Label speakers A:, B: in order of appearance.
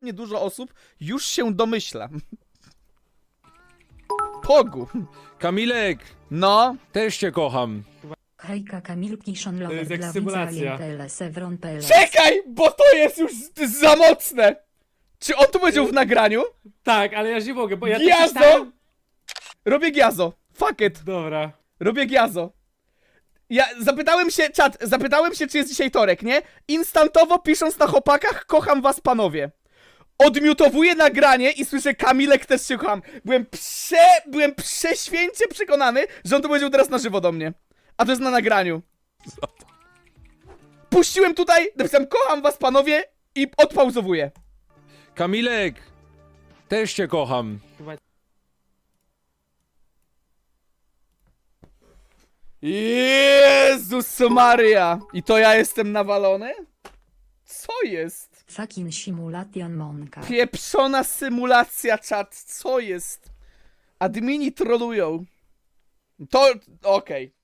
A: Niedużo osób już się domyśla. Pogu.
B: Kamilek,
A: No.
B: też cię kocham.
C: Hejka Kamilki
D: To
C: Szonlover
D: jest jak
C: dla
D: symulacja.
C: widza Sevron.pl.
A: Czekaj, bo to jest już za mocne. Czy on to powiedział w nagraniu?
D: Tak, ale ja już nie mogę, bo ja to
A: Giazo!
D: przeczytałem.
A: Robię giazo. Fuck it.
D: Dobra.
A: Robię giazo. Ja zapytałem się, czy jest dzisiaj torek, nie? Instantowo pisząc na chłopakach, kocham was panowie. Odmiutowuję nagranie i słyszę Kamilek też się kocham. Byłem prześwięcie przekonany, że on to powiedział teraz na żywo do mnie. A to jest na nagraniu. Puściłem tutaj, napisałem kocham was panowie i odpauzowuję.
B: Kamilek, też cię kocham.
A: Jezus Maria! I to ja jestem nawalony? Co jest?
C: Fucking simulation Monka.
A: Pieprzona symulacja, czat. Co jest? Admini trolują. To... okej.